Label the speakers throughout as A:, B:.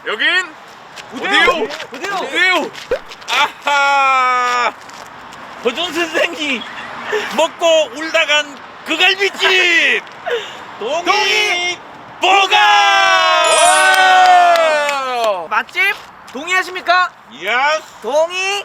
A: 여긴 어디요? 아하!
B: 허준 선생이 먹고 울다간 그 갈비집 동이 보가
C: 맛집 동의하십니까?
A: 예스!
C: 동의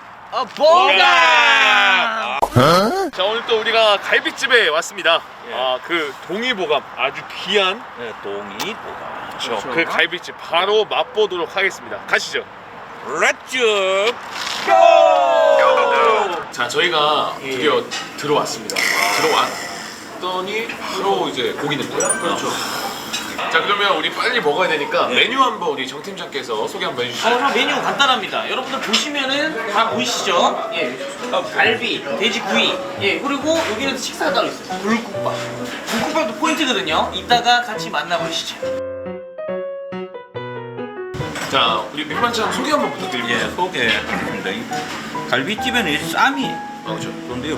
C: 보가.
A: 자, 오늘 또 우리가 갈비집에 왔습니다.
B: 예.
A: 그 동이보감 아주 귀한
B: 네, 동이 보가.
A: 그렇죠. 그 갈비집 바로 맛보도록 하겠습니다. 가시죠.
B: 렛츠 고!
A: 자, 저희가 드디어 들어왔습니다. 들어왔더니 바로 이제 고기 냄새. 그렇죠. 자, 그러면 우리 빨리 먹어야 되니까 메뉴 한번 우리 정 팀장께서 소개 한번 해주시죠.
C: 저 메뉴 간단합니다. 여러분들 보시면은 다 보이시죠? 예, 갈비, 돼지구이, 예, 그리고 여기는 식사가 따로 있어요. 불국밥. 불국밥도 포인트거든요. 이따가 같이 만나보시죠.
A: 자, 우리 밑반찬 소개 한번 부탁드립니다.
B: 예, 소개합니다. 이 갈비집에는 이 쌈이
A: 그렇죠.
B: 그런데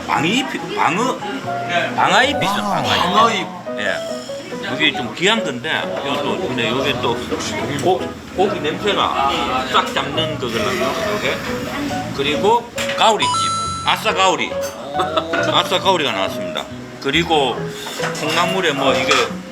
B: 방아잎이 있어.
A: 방아잎.
B: 예. 이게 좀 귀한 건데 이것도 근데 여기 또 고기 냄새가 싹 잡는 그거라서 이게 그리고 가오리찜 아싸 가오리가 나왔습니다. 그리고 콩나물에 뭐 이게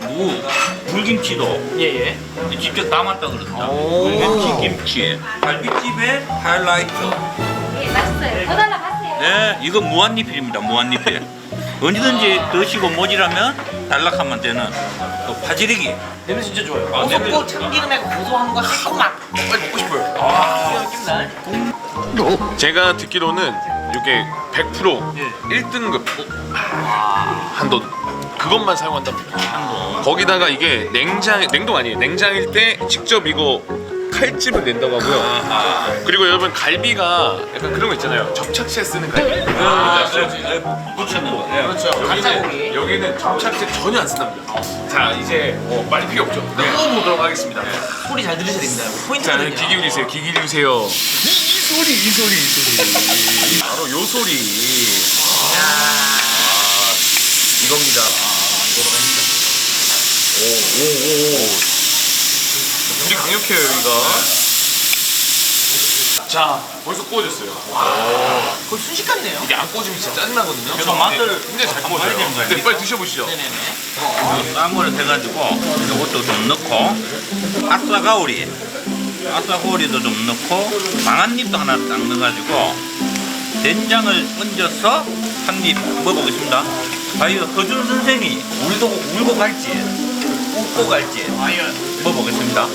B: 물김치도
C: 예.
B: 직접 담았다 그러더라. 물김치 김치 갈비집의 하이라이트.
D: 예, 맛있어요. 더 달라고 하세요.
B: 네, 이거 무한리필입니다. 무한리필. 언제든지 드시고 모질하면 단락하면 되는 또 파지리기.
C: 냄새 진짜 좋아요.
B: 아, 냄새
C: 고소고
B: 좋다.
C: 참기름에 고소함과 새콤함.
A: 빨리 먹고 싶어요.
C: 아, 느낌나.
A: 제가 듣기로는 이게 100% 1등급 한돈 그것만 사용한답니다. 거기다가 이게 냉동 아니에요. 냉장일 때 직접 이거 칼집을 낸다고 하고요. 그리고 여러분 갈비가 약간 그런 거 있잖아요. 접착제 쓰는 갈비.
B: 붙이는 거.
A: 그렇죠. 여기는 접착제 전혀 안 쓴답니다. 자, 이제 말이 필요 없죠. 먹어보도록 하겠습니다.
C: 소리 잘 들으셔야 됩니다.
A: 자,
C: 포인트거든요.
A: 귀 기울이세요. 귀 기울이세요. 이 소리. 바로 요 소리. 이겁니다. 오. 불이 강력해요, 여기가. 자, 벌써 구워졌어요.
C: 거의 순식간이네요.
A: 이게 안 구워지면 진짜 짜증나거든요.
B: 그래서 맛을
A: 굉장히 잘
B: 한번 봐야 되는
A: 구워져요.
B: 거예요.
A: 네, 빨리 드셔보시죠.
C: 네네네.
B: 쌈을 해가지고 이것도 좀 넣고 아싸가오리도 좀 넣고 망한잎도 하나 딱 넣어가지고 된장을 얹어서 한 입 먹어보겠습니다. 과연 허준 선생이 울고 갈지 웃고 갈지 먹어보겠습니다.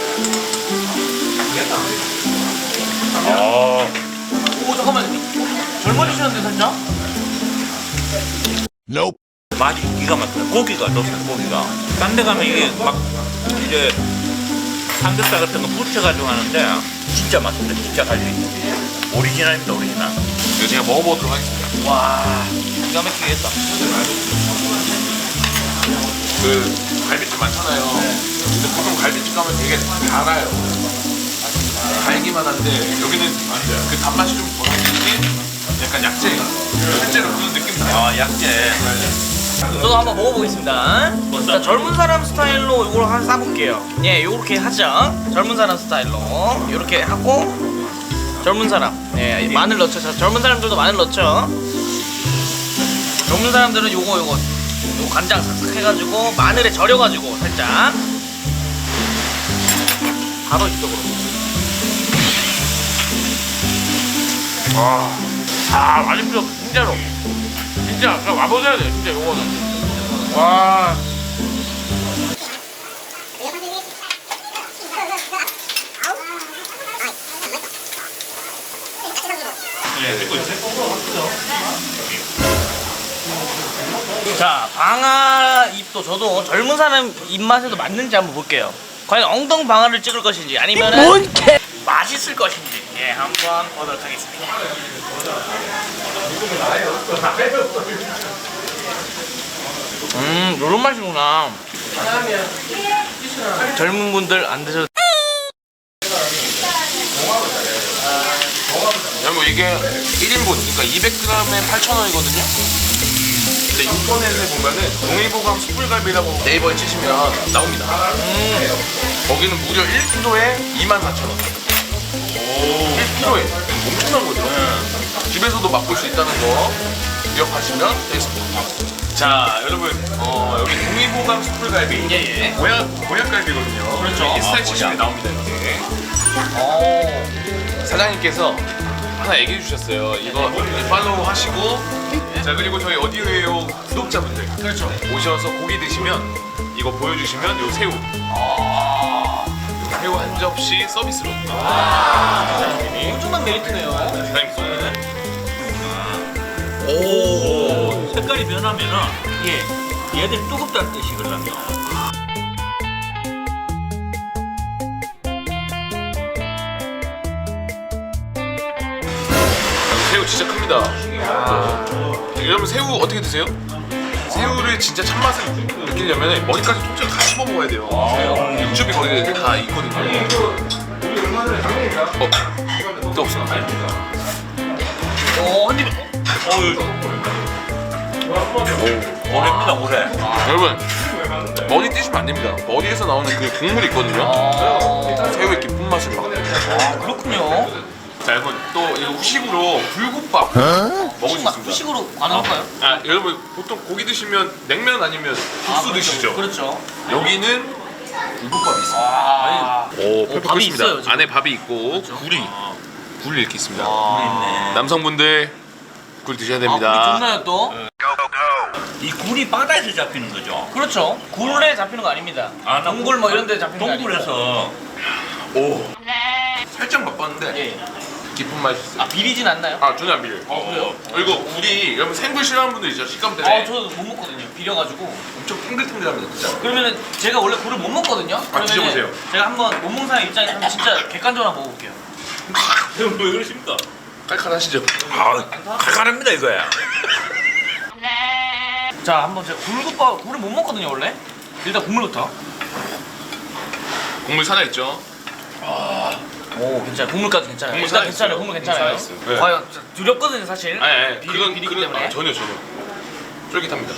C: 오, 잠깐만요. 젊어지셨는데 살짝?
B: 맛이 기가 막혀요. 고기가 좋다. 고기가 딴 데 가면 이게 막 이제 삼겹살 같은 거 부쳐가지고 하는데 진짜 맛있다. 진짜 갈비 오리지널입니다. 오리지널.
A: 이거 제가 먹어보도록 하겠습니다.
C: 와, 기가 막히겠다.
A: 그 갈비집 많잖아요. 근데 보통 갈비집 가면 되게 달아요. 달기만 한데 여기는 그 단맛이 좀 덜한데 약간 약재, 실제로 그런 느낌 나요.
B: 아 약재.
C: 저도 한번 먹어보겠습니다. 자, 젊은 사람 스타일로 이걸 한 싸볼게요. 예, 요렇게 하죠. 젊은 사람 스타일로 요렇게 하고 젊은 사람, 예, 마늘 넣죠. 자, 젊은 사람들도 마늘 넣죠. 젊은 사람들은 요거 간장 삭삭 해가지고 마늘에 절여가지고 살짝 바로 이쪽으로. 맛있어, 진짜로. 진짜 와보셔야 돼요, 진짜 요거는. 와. 자, 방아잎도 저도 젊은 사람 입맛에도 맞는지 한번 볼게요. 과연 엉덩 방아를 찍을 것인지 아니면은 맛있을 것인지, 예, 한번 보도록 하겠습니다. 요런 맛이구나. 젊은 분들 안 드셔도.
A: 여러분 이게 1인분, 그러니까 200g에 8,000원이거든요. 근데 인터넷에 보면은 동해보감 숯불갈비라고 네이버에 치시면 나옵니다. 거기는 무려 1kg에 24,000원. 1kg에 엄청난 거죠. 집에서도 맛볼 수 있다는 거 기억하시면 되겠습니다. 자, 여러분, 여기 동해보감 숯불갈비
C: 예.
A: 보약갈비거든요.
C: 그렇죠.
A: 이렇게 스타일 치시면 나옵니다. 이렇게. 사장님께서 하나 얘기해 주셨어요. 이거 팔로우 하시고. 자, 그리고 저희 어디에요 구독자분들
C: 그렇죠.
A: 오셔서 고기 드시면 이거 보여주시면 요 새우 새우 한 접시 서비스로
C: 엄청난 메리트네요.
A: 사장님 쏘는
B: 오, 색깔이 변하면은 얘들이 뜨겁다는 뜻이거든요.
A: 새우 진짜 큽니다. 여러분 새우 어떻게 드세요? 새우를 진짜 참맛을 느끼려면 머리까지 통째로 다 씹어 먹어야 돼요. 육즙이 거기에 다 있거든요. 또 없어.
C: 한 입에.
B: 오래입니다, 오래.
A: 여러분 머리 띄시면 안 됩니다. 머리에서 나오는 그 국물이 있거든요. 새우의 깊은 맛을 막.
C: 그렇군요.
A: 자, 여러분 또 이거 후식으로 불국밥 먹을 수 있습니다.
C: 후식으로 가능할까요?
A: 아, 여러분 보통 고기 드시면 냉면 아니면 국수 드시죠?
C: 그렇죠.
A: 여기는 불국밥이 있습니다. 오, 펄펄
C: 밥이
A: 끓습니다.
C: 있어요, 지금.
A: 안에 밥이 있고 굴이 이렇게 있습니다.
B: 있네.
A: 남성분들 굴 드셔야
C: 아,
A: 됩니다.
C: 굴이 좋나요 또?
B: 이 굴이 바다에서 잡히는 거죠?
C: 그렇죠. 굴에 잡히는 거 아닙니다.
B: 아, 나
C: 동굴 뭐 이런 데 잡히는 거 아니고.
B: 동굴에서
A: 오, 살짝 맛봤는데
C: 예.
A: 깊은 맛이 있어요.
C: 아, 비리진 않나요?
A: 아, 전혀 안 비려요.
C: 그래요?
A: 그리고 굴이 여러분 생굴 싫어하는 분들 있죠? 식감 때문에
C: 저도 못 먹거든요. 비려가지고.
A: 엄청 탱글탱글합니다, 진짜.
C: 그러면은 제가 원래 굴을 못 먹거든요. 그러면은
A: 드셔보세요.
C: 제가 한번 못 먹는 사람 입장에서 한번 진짜 객관적으로 한번 먹어볼게요.
B: 왜 그러십니까?
A: 깔깔하시죠?
B: 아, 칼칼합니다 이거야.
C: 자, 한번 제가 굴을 못 먹거든요 원래. 일단 국물부터.
A: 국물 살아있죠?
C: 오, 괜찮아요. 국물까지 괜찮아요.
A: 국물
C: 일단
A: 살아있어요.
C: 괜찮아요. 국물 괜찮아요.
A: 살아있어요. 네.
C: 과연 두렵거든요 사실.
A: 아니,
C: 비리기 때문에.
A: 아, 전혀. 쫄깃합니다.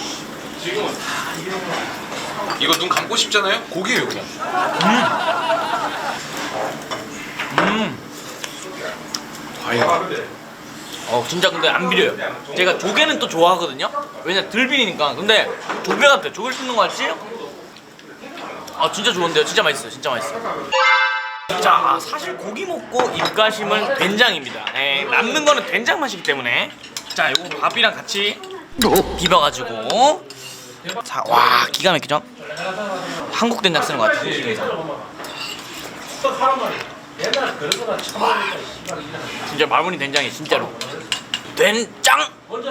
A: 이거 눈 감고 싶잖아요? 고기예요, 그냥. 과연.
C: 진짜 근데 안 비려요. 제가 조개는 또 좋아하거든요. 왜냐 덜 비리니까. 근데 조개 같아. 조개를 씹는 거 같지? 아 진짜 좋은데요. 진짜 맛있어요. 진짜 맛있어요. 자, 사실 고기 먹고 입가심은 된장입니다. 네, 남는 거는 된장 맛이기 때문에. 자, 이거 밥이랑 같이 비벼가지고. 자, 와 기가 막히죠? 한국 된장 쓰는 거 같아요. 한국 된장. 진짜 마무리 된장이 진짜로. 된장.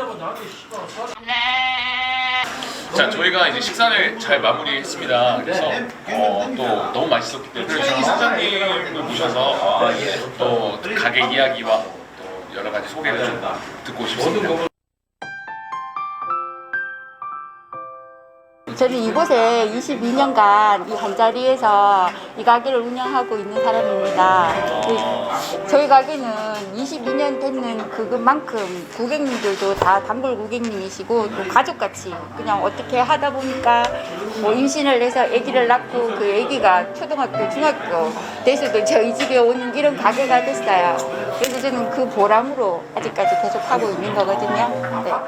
A: 자, 저희가 이제 식사를 잘 마무리했습니다. 그래서 또 너무 맛있었기 때문에 저희 사장님을 모셔서 또 가게 이야기와 또 여러 가지 소개를 좀 듣고 싶습니다.
E: 저는 이곳에 22년간 이 한자리에서 이 가게를 운영하고 있는 사람입니다. 저희 가게는 22년 됐는 그것만큼 고객님들도 다 단골 고객님이시고 또 가족같이 그냥 어떻게 하다 보니까 뭐 임신을 해서 아기를 낳고 그 아기가 초등학교, 중학교 돼서도 저희 집에 오는 이런 가게가 됐어요. 그래서 저는 그 보람으로 아직까지 계속 하고 있는 거거든요. 네.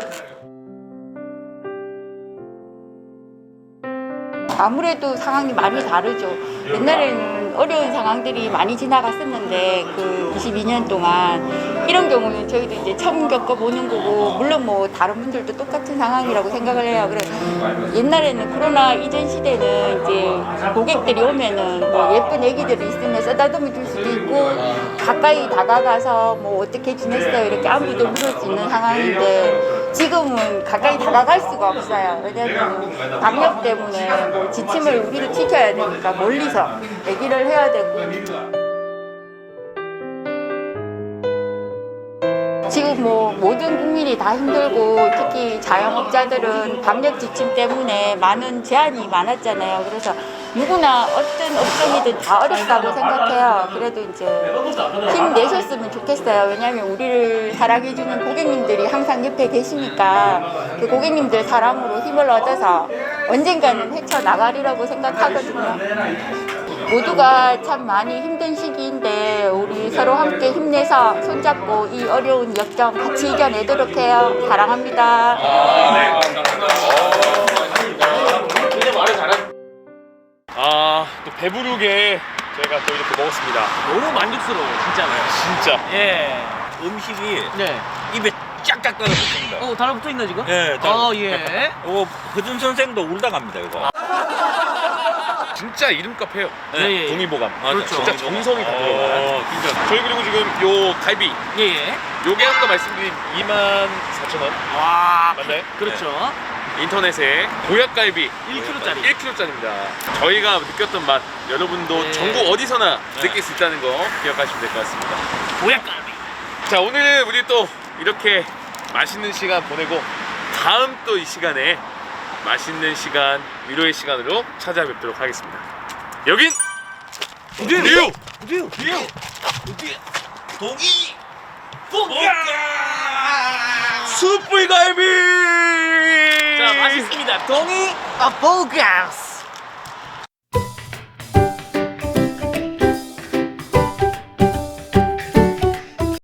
E: 아무래도 상황이 많이 다르죠. 옛날에는 어려운 상황들이 많이 지나갔었는데 그 22년 동안 이런 경우는 저희도 이제 처음 겪어보는 거고 물론 뭐 다른 분들도 똑같은 상황이라고 생각을 해요. 그래 옛날에는 코로나 이전 시대는 이제 고객들이 오면은 뭐 예쁜 애기들이 있으면 쓰다듬어 줄 수도 있고 가까이 다가가서 뭐 어떻게 지냈어요 이렇게 안부도 물을 수 있는 상황인데 지금은 가까이 다가갈 수가 없어요. 왜냐면 방역 때문에 뭐 지침을 우리도 지켜야 되니까 멀리서 얘기를 해야 되고 지금 뭐 모든 국민이 다 힘들고 특히 자영업자들은 방역 지침 때문에 많은 제한이 많았잖아요. 그래서 누구나 어떤 업종이든 다 어렵다고 생각해요. 그래도 이제 힘내셨으면 좋겠어요. 왜냐하면 우리를 사랑해주는 고객님들이 항상 옆에 계시니까 그 고객님들 사랑으로 힘을 얻어서 언젠가는 헤쳐나가리라고 생각하거든요. 모두가 참 많이 힘든 시기인데 우리 서로 함께 힘내서 손잡고 이 어려운 역경 같이 이겨내도록 해요. 사랑합니다.
A: 또 배부르게 저희가 또 이렇게 먹었습니다.
C: 너무 만족스러워요, 진짜로요.
A: 진짜.
C: 예.
B: 음식이
C: 네.
B: 입에 쫙쫙 달라붙습니다.
C: 달라붙어 있나 지금?
B: 예,
C: 예.
B: 이거 허준 선생도 울다 갑니다 이거.
A: 진짜 이름값 해요.
C: 예.
A: 동의보감.
B: 맞아.
A: 진짜 정성이 다 들어가요.
B: 진짜.
A: 저희 그리고 지금 요 갈비
C: 예.
A: 요게 아까 말씀드린 24,000원
C: 와.
A: 맞나요?
C: 그렇죠.
A: 인터넷에 보약갈비
C: 1kg짜리.
A: 1kg짜리입니다. 저희가 느꼈던 맛 여러분도
C: 네.
A: 전국 어디서나 느낄 수 있다는 거 기억하시면 될 것 같습니다.
C: 보약갈비.
A: 자, 오늘 우리 또 이렇게 맛있는 시간 보내고 다음 또 이 시간에 맛있는 시간, 위로의 시간으로 찾아뵙도록 하겠습니다. 여긴 뉴!
B: 동이
A: 숯불갈비!
C: 자, 맛있습니다. 동이 보가스.